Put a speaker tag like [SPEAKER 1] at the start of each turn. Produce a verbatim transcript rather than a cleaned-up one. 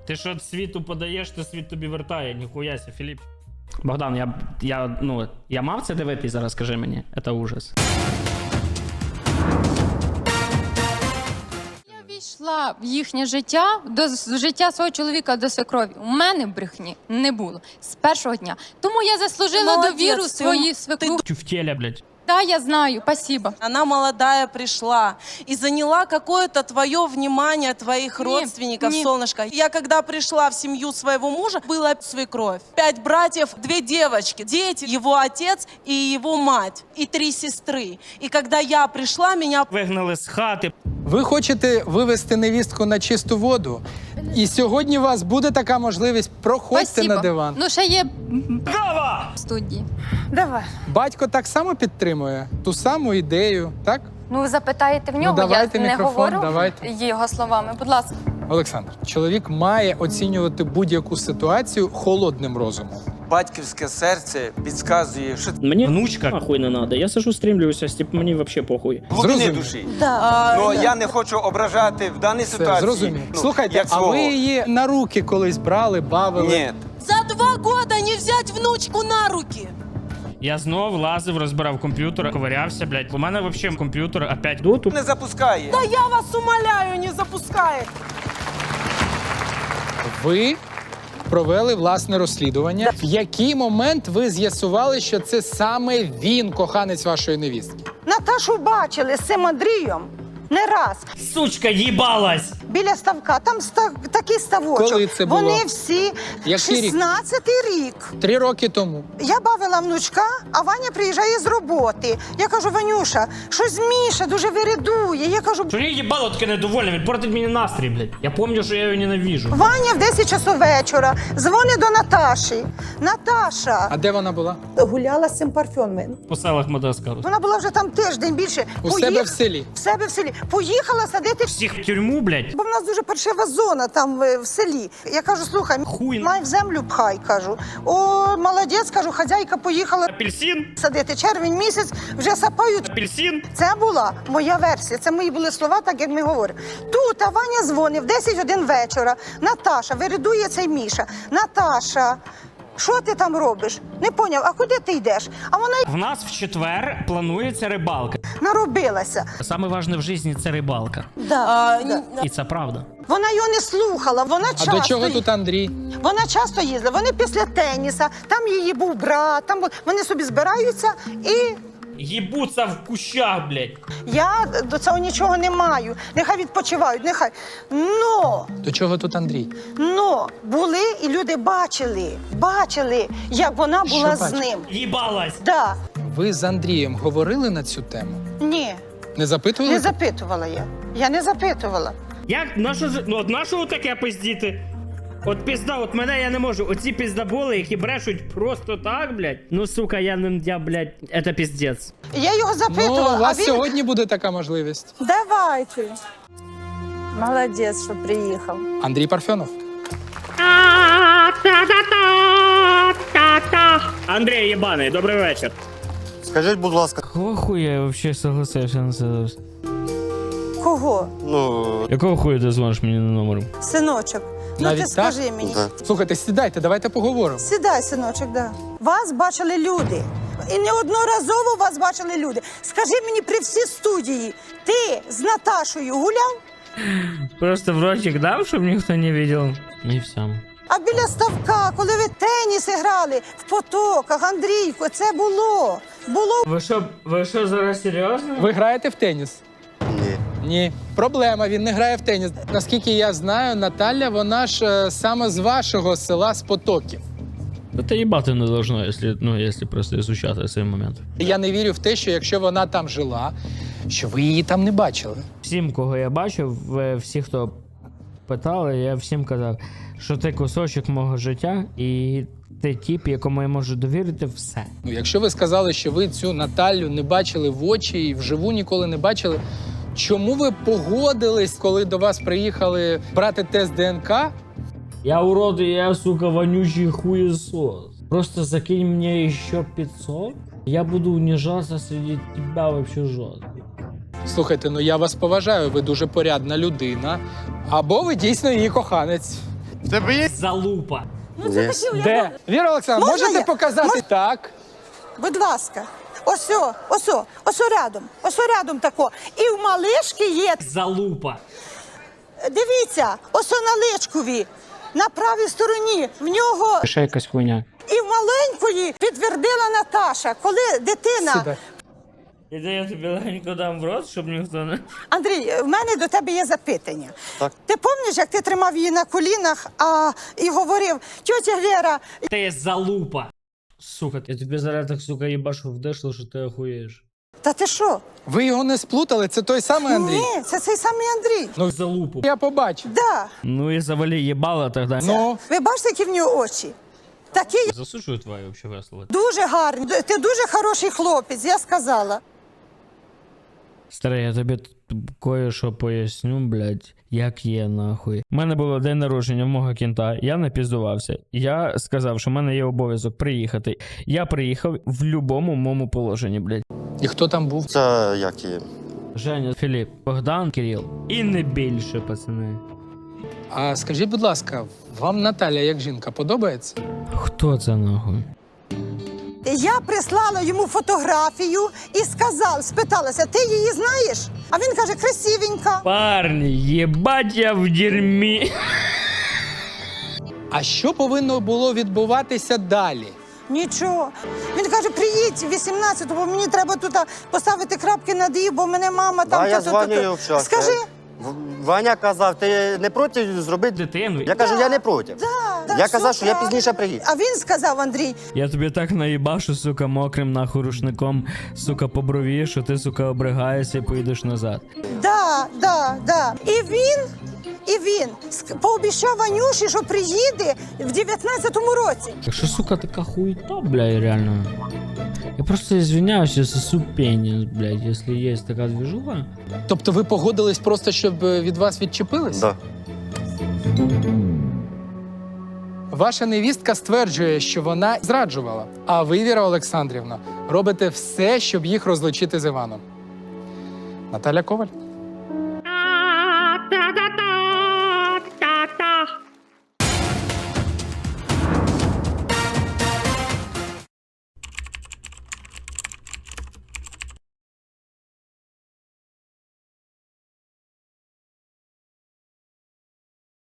[SPEAKER 1] Ти що світу подаєш, то світ тобі вертає, ніхуяся, Філіп. Богдан, я, я, ну, я мав це дивитись зараз, скажи мені, це ужас.
[SPEAKER 2] Я війшла в їхнє життя, до життя свого чоловіка, до свекрові. У мене брехні не було з першого дня. Тому я заслужила
[SPEAKER 3] Молодець,
[SPEAKER 2] довіру
[SPEAKER 3] ти-
[SPEAKER 2] своїй свекру.
[SPEAKER 1] Тюфтеля, блядь.
[SPEAKER 2] Да, я знаю, спасибо.
[SPEAKER 3] Она молодая пришла и заняла какое-то твое внимание, твоих
[SPEAKER 2] Не,
[SPEAKER 3] родственников,
[SPEAKER 2] не.
[SPEAKER 3] солнышко. Я когда пришла в семью своего мужа, была свекровь. Пять братьев, две девочки, дети, его отец и его мать, и три сестры. И когда я пришла, меня...
[SPEAKER 1] Вигнали з хати.
[SPEAKER 4] Ви хочете вивести невістку на чисту воду? І сьогодні у вас буде така можливість. Проходьте
[SPEAKER 2] Спасибо.
[SPEAKER 4] на диван.
[SPEAKER 2] Ну, ще є
[SPEAKER 1] Гава!
[SPEAKER 2] в студії.
[SPEAKER 5] Давай.
[SPEAKER 4] Батько так само підтримує ту саму ідею, так?
[SPEAKER 5] Ну, ви запитаєте в нього,
[SPEAKER 4] давайте
[SPEAKER 5] я не
[SPEAKER 4] мікрофон,
[SPEAKER 5] говорю
[SPEAKER 4] давайте.
[SPEAKER 5] його словами. Будь ласка.
[SPEAKER 4] Олександр, чоловік має оцінювати будь-яку ситуацію холодним розумом.
[SPEAKER 6] Батьківське серце підказує, що
[SPEAKER 1] Мені внучка нахуй не надо. Я сижу, стрімлююся, типу, мені взагалі похуй.
[SPEAKER 6] глибини
[SPEAKER 4] Зрозумів.
[SPEAKER 6] душі.
[SPEAKER 3] А,
[SPEAKER 6] Ну я не хочу ображати в даній
[SPEAKER 4] Це
[SPEAKER 6] ситуації.
[SPEAKER 4] зрозумів.
[SPEAKER 6] ну,
[SPEAKER 4] Слухайте,
[SPEAKER 6] як
[SPEAKER 4] а
[SPEAKER 6] свого.
[SPEAKER 4] ви її на руки колись брали, бавили?
[SPEAKER 6] Ні.
[SPEAKER 3] За два года не взять внучку на руки.
[SPEAKER 1] Я знов лазив, розбирав комп'ютер, ковирявся, блядь. У мене взагалі комп'ютер опять доту.
[SPEAKER 6] Не запускає.
[SPEAKER 3] Да я вас умоляю, не запускает.
[SPEAKER 4] Ви провели власне розслідування. В який момент ви з'ясували, що це саме він, коханець вашої невістки?
[SPEAKER 7] Наташу бачили з цим Андрієм не раз.
[SPEAKER 1] Сучка, їбалась!
[SPEAKER 7] Біля ставка, там ста... такий ставочок.
[SPEAKER 4] Коли це було?
[SPEAKER 7] Вони всі
[SPEAKER 4] Який рік?
[SPEAKER 7] шістнадцятий рік.
[SPEAKER 4] Три роки тому.
[SPEAKER 7] Я бавила внучка, а Ваня приїжджає з роботи. Я кажу, Ванюша, щось Міша дуже вирядує. Я кажу,
[SPEAKER 1] Що її їбало таке недовольне, він портить мені настрій, блядь. Я пам'ятаю, що я його ненавижу.
[SPEAKER 7] Ваня в десять часов вечора дзвонить до Наташі. Наташа
[SPEAKER 4] А де вона була?
[SPEAKER 7] гуляла з цим парфюмом.
[SPEAKER 1] По селах Мадагаскару.
[SPEAKER 7] Вона була вже там тиждень більше.
[SPEAKER 4] У себе в селі?
[SPEAKER 7] В себе в селі. Поїхала садити.
[SPEAKER 1] Всіх в тюрму, блядь.
[SPEAKER 7] Бо в нас дуже паршива зона там е, в селі. Я кажу, слухай,
[SPEAKER 1] Хуй.
[SPEAKER 7] май в землю пхай, кажу. О, молодець, кажу, хазяйка поїхала
[SPEAKER 1] Апельсин,
[SPEAKER 7] садити. Червень місяць, вже сапають.
[SPEAKER 1] апельсин.
[SPEAKER 7] Це була моя версія, це мої були слова, так як ми говоримо. Тут а Ваня дзвонив, десять годин вечора. Наташа, вирядує цей Міша. Наташа, що ти там робиш? Не поняв, а куди ти йдеш? А вона й
[SPEAKER 1] В нас в четвер планується рибалка.
[SPEAKER 7] наробилася.
[SPEAKER 1] Саме важне в житті – це рибалка.
[SPEAKER 7] Да,
[SPEAKER 3] А,
[SPEAKER 7] да.
[SPEAKER 1] І це правда.
[SPEAKER 7] Вона його не слухала, вона
[SPEAKER 4] А
[SPEAKER 7] часто...
[SPEAKER 4] до чого
[SPEAKER 7] й-
[SPEAKER 4] тут Андрій?
[SPEAKER 7] Вона часто їздила, вони після теніса, там її був брат, там бу- вони собі збираються, і
[SPEAKER 1] Їбуться в кущах, блядь.
[SPEAKER 7] я до цього нічого не маю. Нехай відпочивають, нехай. Но,
[SPEAKER 4] До чого тут Андрій?
[SPEAKER 7] но були і люди бачили, бачили, як вона була з
[SPEAKER 4] бачили?
[SPEAKER 7] ним.
[SPEAKER 1] Їбалась.
[SPEAKER 7] Да.
[SPEAKER 4] Ви з Андрієм говорили на цю тему?
[SPEAKER 7] Ні,
[SPEAKER 4] Не запитували?
[SPEAKER 7] не запитувала я. Я не запитувала.
[SPEAKER 1] Як? Нащо ж... Ну, от нашого таке пиздіти? От пізда, от мене я не можу. Оці піздаболи, які брешуть просто так, блядь. Ну, сука, я не, я, блядь, це піздець.
[SPEAKER 7] Я його
[SPEAKER 4] Ну,
[SPEAKER 7] запитувала,
[SPEAKER 4] у вас
[SPEAKER 7] а він...
[SPEAKER 4] сьогодні буде така можливість.
[SPEAKER 5] Давайте. Молодець, що приїхав.
[SPEAKER 4] Андрій Парфьонов.
[SPEAKER 1] Андрій єбаний, добрий вечір.
[SPEAKER 8] Скажіть, будь ласка,
[SPEAKER 1] Кого хуя я взагалі согласився на це?
[SPEAKER 7] Кого?
[SPEAKER 8] ну
[SPEAKER 1] Якого хуя ти дзвониш мені на номер?
[SPEAKER 7] Синочок. Ну
[SPEAKER 4] Навіть
[SPEAKER 7] ти
[SPEAKER 4] так?
[SPEAKER 7] скажи мені.
[SPEAKER 8] да.
[SPEAKER 4] Слухайте, сідайте, давайте поговоримо.
[SPEAKER 7] Сідай, синочок, да. Вас бачили люди. І неодноразово вас бачили люди. Скажи мені при всій студії, ти з Наташою гуляв?
[SPEAKER 1] Просто в ротик дав, щоб ніхто не бачив. І все.
[SPEAKER 7] А біля ставка, коли ви теніс грали в потоках, Андрійко, це було. Було.
[SPEAKER 1] Ви що, ви що зараз серйозно?
[SPEAKER 4] Ви граєте в теніс?
[SPEAKER 8] ні.
[SPEAKER 4] Ні. Проблема, він не грає в теніс. Наскільки я знаю, Наталя, вона ж е, саме з вашого села, з Потоків.
[SPEAKER 1] Да ти їбати не должно, якщо, ну, якщо просто ізучати цей момент.
[SPEAKER 4] Я не вірю в те, що якщо вона там жила, що ви її там не бачили.
[SPEAKER 1] Всім, кого я бачив, ви- всі, хто питали, я всім казав, що ти кусочок мого життя і ти тип, якому я можу довірити все.
[SPEAKER 4] Ну, якщо ви сказали, що ви цю Наталю не бачили в очі і вживу ніколи не бачили, чому ви погодились, коли до вас приїхали брати тест ДНК?
[SPEAKER 1] Я урод, и я, сука, вонючий хуесос. Просто закинь мне еще пятьсот, я буду унижаться среди тебя вообще жестко.
[SPEAKER 4] Слухайте, ну я вас поважаю, ви дуже порядна людина. Або ви дійсно її коханець.
[SPEAKER 8] В тебе є?
[SPEAKER 1] Залупа.
[SPEAKER 8] Є.
[SPEAKER 4] Де? Віра Олександровна,
[SPEAKER 7] Можна
[SPEAKER 4] можете
[SPEAKER 7] я?
[SPEAKER 4] показати?
[SPEAKER 7] Мож-
[SPEAKER 4] Так.
[SPEAKER 7] Будь ласка. Осьо, осьо, осьо рядом, осьо рядом тако. І в малишки є,
[SPEAKER 1] Залупа.
[SPEAKER 7] дивіться, осьо на личкові, на правій стороні, в нього
[SPEAKER 1] Ще якась хуйня.
[SPEAKER 7] і в маленької підтвердила Наташа, коли дитина...
[SPEAKER 4] Сюди.
[SPEAKER 1] Іде я тобі легенько дам в рот, щоб ніхто не...
[SPEAKER 7] Андрій, в мене до тебе є запитання.
[SPEAKER 8] Так.
[SPEAKER 7] Ти пам'ятаєш, як ти тримав її на колінах а, і говорив, тьотя Вера,
[SPEAKER 1] Ти залупа. Сука, я тобі зараз так, сука, їбашу вдешло, що ти охуєш.
[SPEAKER 7] та ти що?
[SPEAKER 4] Ви його не сплутали? Це той самий Андрій?
[SPEAKER 7] Ні, це цей самий Андрій.
[SPEAKER 4] Ну,
[SPEAKER 1] Залупу.
[SPEAKER 4] я побачив.
[SPEAKER 7] Да.
[SPEAKER 1] Ну і завалі їбала тоді.
[SPEAKER 4] Ну,
[SPEAKER 7] Ви бачите, які в нього очі? Такі
[SPEAKER 1] Засуджую твої вообще весело.
[SPEAKER 7] дуже гарні. Ти дуже хороший хлопець, я сказала.
[SPEAKER 1] Старий, я тобі тут кое-що поясню, блядь, як є нахуй. У мене було день народження в мого кінта, я напіздувався. Я сказав, що в мене є обов'язок приїхати. Я приїхав в любому моєму положенні, блядь.
[SPEAKER 4] і хто там був?
[SPEAKER 8] Це як і.
[SPEAKER 1] Женя, Філіп, Богдан, Кирил. І не більше, пацани.
[SPEAKER 4] А скажіть, будь ласка, вам Наталя як жінка подобається?
[SPEAKER 1] Хто це нахуй?
[SPEAKER 7] Я прислала йому фотографію і сказав, спиталася, ти її знаєш? А він каже, красивенька.
[SPEAKER 1] Парні, єбать я в дерьмі.
[SPEAKER 4] А що повинно було відбуватися далі?
[SPEAKER 7] Нічого. Він каже, приїдь вісімнадцятого, бо мені треба тут а, поставити крапки над «і», бо мене мама там...
[SPEAKER 8] Да, я
[SPEAKER 7] то-то-то-то».
[SPEAKER 8] дзвоню і общався.
[SPEAKER 7] Скажи.
[SPEAKER 8] В- Ваня казав, ти не проти зробити?
[SPEAKER 1] Дитину.
[SPEAKER 8] Я кажу, я не проти.
[SPEAKER 7] Да,
[SPEAKER 8] Я
[SPEAKER 7] все
[SPEAKER 8] казав, що я
[SPEAKER 7] правильно.
[SPEAKER 8] пізніше приїду.
[SPEAKER 7] А він сказав, Андрій,
[SPEAKER 1] Я тобі так наїбашу, сука, мокрим нахуй рушником, сука, по брові, що ти, сука, обригаєшся і поїдеш назад.
[SPEAKER 7] да, да, да. І він, і він ск- пообіцяв Ванюші, що приїде в дев'ятнадцятому році.
[SPEAKER 1] Так що, сука, така хуета, блядь, реально. Я просто извиняюсь, я сосу пеніс, блядь, якщо є така движуха.
[SPEAKER 4] Тобто ви погодились просто, щоб е, від вас відчепились?
[SPEAKER 8] Да.
[SPEAKER 4] Ваша невістка стверджує, що вона зраджувала, а ви, Віра Олександрівна, робите все, щоб їх розлучити з Іваном. Наталя Коваль.